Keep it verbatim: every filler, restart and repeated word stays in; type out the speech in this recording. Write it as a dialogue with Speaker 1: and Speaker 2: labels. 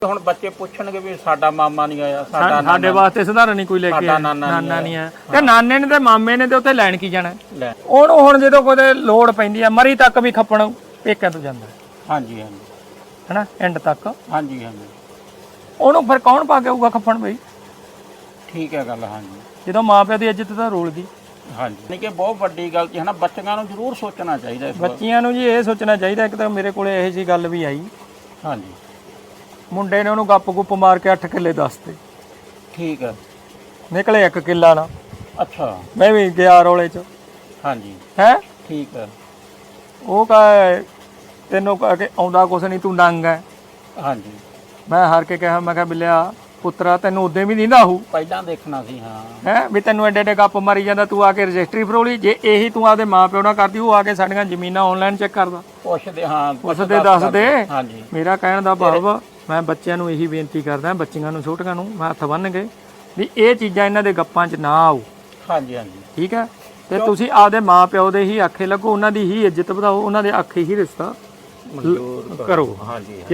Speaker 1: ਹੁਣ ਬੱਚੇ ਪੁੱਛਣਗੇ ਵੀ ਸਾਡਾ ਮਾਮਾ ਨਹੀਂ ਆਇਆ, ਸਾਡਾ
Speaker 2: ਸਾਡੇ ਵਾਸਤੇ ਸਧਾਰਨ ਨਹੀਂ ਕੋਈ ਲੈ ਕੇ ਆਇਆ, ਨਾਨਾ ਨਹੀਂ ਆਇਆ ਤੇ ਨਾਨੇ ਨੇ ਤੇ ਮਾਮੇ ਨੇ ਤੇ ਉੱਥੇ ਲੈਣ ਕੀ ਜਾਣਾ। ਉਹਨੂੰ ਹੁਣ ਜਦੋਂ ਕੋਈ ਲੋੜ ਪੈਂਦੀ ਆ ਮਰੀ ਤੱਕ ਵੀ ਖੱਪਣ ਪੇਕਿਆਂ ਤੋਂ ਜਾਂਦਾ।
Speaker 1: ਹਾਂਜੀ ਹਾਂਜੀ
Speaker 2: ਹੈਨਾ ਐਂਡ ਤੱਕ।
Speaker 1: ਹਾਂਜੀ ਹਾਂਜੀ
Speaker 2: ਉਹਨੂੰ ਫਿਰ ਕੌਣ ਪਾ ਕੇ ਆਊਗਾ ਖੱਪਣ ਬਈ।
Speaker 1: ਠੀਕ ਹੈ ਗੱਲ। ਹਾਂਜੀ
Speaker 2: ਜਦੋਂ ਮਾਂ ਪਿਓ ਦੀ ਇੱਜ਼ਤ ਤਾਂ ਰੋਲ ਗਈ।
Speaker 1: ਹਾਂਜੀ ਨਹੀਂ ਕਿ ਬਹੁਤ ਵੱਡੀ ਗਲਤੀ ਹੈ ਨਾ, ਬੱਚਿਆਂ ਨੂੰ ਜ਼ਰੂਰ ਸੋਚਣਾ ਚਾਹੀਦਾ ਇਸ ਬਾਰੇ।
Speaker 2: ਬੱਚਿਆਂ ਨੂੰ ਜੀ ਇਹ ਸੋਚਣਾ ਚਾਹੀਦਾ। ਇੱਕ ਤਾਂ ਮੇਰੇ ਕੋਲੇ ਇਹੋ ਜਿਹੀ ਗੱਲ ਵੀ ਆਈ,
Speaker 1: ਹਾਂਜੀ
Speaker 2: ਮੁੰਡੇ ਨੇ ਉਹਨੂੰ ਗੱਪ ਗੁੱਪ ਮਾਰ ਕੇ ਅੱਠ ਕਿੱਲੇ ਦੱਸਤੇ।
Speaker 1: ਠੀਕ ਹੈ।
Speaker 2: ਨਿਕਲੇ ਇੱਕ ਕਿੱਲਾ ਨਾ।
Speaker 1: ਅੱਛਾ
Speaker 2: ਮੈਂ ਵੀ ਗਿਆ ਰੋਲੇ 'ਚ।
Speaker 1: ਹਾਂਜੀ
Speaker 2: ਹੈ
Speaker 1: ਠੀਕ ਹੈ।
Speaker 2: ਉਹ ਕਹੇ ਤੈਨੂੰ ਕਹ ਕੇ ਆਉਂਦਾ ਕੁਛ ਨਹੀਂ, ਤੂੰ ਨੰਗ ਹੈ।
Speaker 1: ਹਾਂਜੀ
Speaker 2: ਮੈਂ ਹਾਰ ਕੇ ਕਿਹਾ, ਮੈਂ ਕਿਹਾ ਬਿੱਲਿਆ ਪੁੱਤਰਾ ਤੈਨੂੰ ਉਦੋਂ ਵੀ ਦਿੰਦਾ ਹੋਊ,
Speaker 1: ਪਹਿਲਾਂ ਦੇਖਣਾ ਸੀ। ਹਾਂ
Speaker 2: ਹੈ ਵੀ ਤੈਨੂੰ ਐਡੇ ਐਡੇ ਗੱਪ ਮਾਰੀ ਜਾਂਦਾ, ਤੂੰ ਆ ਕੇ ਰਜਿਸਟਰੀ ਫਰੋਲੀ। ਜੇ ਇਹੀ ਤੂੰ ਆਪਦੇ ਮਾਂ ਪਿਓ ਨਾਲ ਕਰਦੀ, ਉਹ ਆ ਕੇ ਸਾਡੀਆਂ ਜ਼ਮੀਨਾਂ ਆਨਲਾਈਨ ਚੈੱਕ ਕਰਦਾ।
Speaker 1: ਪੁੱਛਦੇ ਹਾਂ
Speaker 2: ਪੁੱਛਦੇ ਦੱਸਦੇ।
Speaker 1: ਹਾਂਜੀ
Speaker 2: ਮੇਰਾ ਕਹਿਣ ਦਾ ਭਾਵ ਮੈਂ ਬੱਚਿਆਂ ਨੂੰ ਇਹੀ ਬੇਨਤੀ ਕਰਦਾ, ਬੱਚੀਆਂ ਨੂੰ ਛੋਟੀਆਂ ਨੂੰ ਮੈਂ ਹੱਥ ਬੰਨ੍ਹ ਕੇ ਵੀ ਇਹ ਚੀਜ਼ਾਂ ਇਹਨਾਂ ਦੇ ਗੱਪਾਂ 'ਚ ਨਾ ਆਓ।
Speaker 1: ਹਾਂਜੀ ਹਾਂਜੀ
Speaker 2: ਠੀਕ ਹੈ। ਤੇ ਤੁਸੀਂ ਆਪਦੇ ਮਾਂ ਪਿਓ ਦੇ ਹੀ ਆਖੇ ਲੱਗੋ, ਉਹਨਾਂ ਦੀ ਹੀ ਇੱਜ਼ਤ ਵਧਾਓ, ਉਹਨਾਂ ਦੇ ਆਖੇ ਹੀ ਰਿਸ਼ਤਾ
Speaker 1: ਮਨਜ਼ੂਰ
Speaker 2: ਕਰੋ।
Speaker 1: ਹਾਂਜੀ।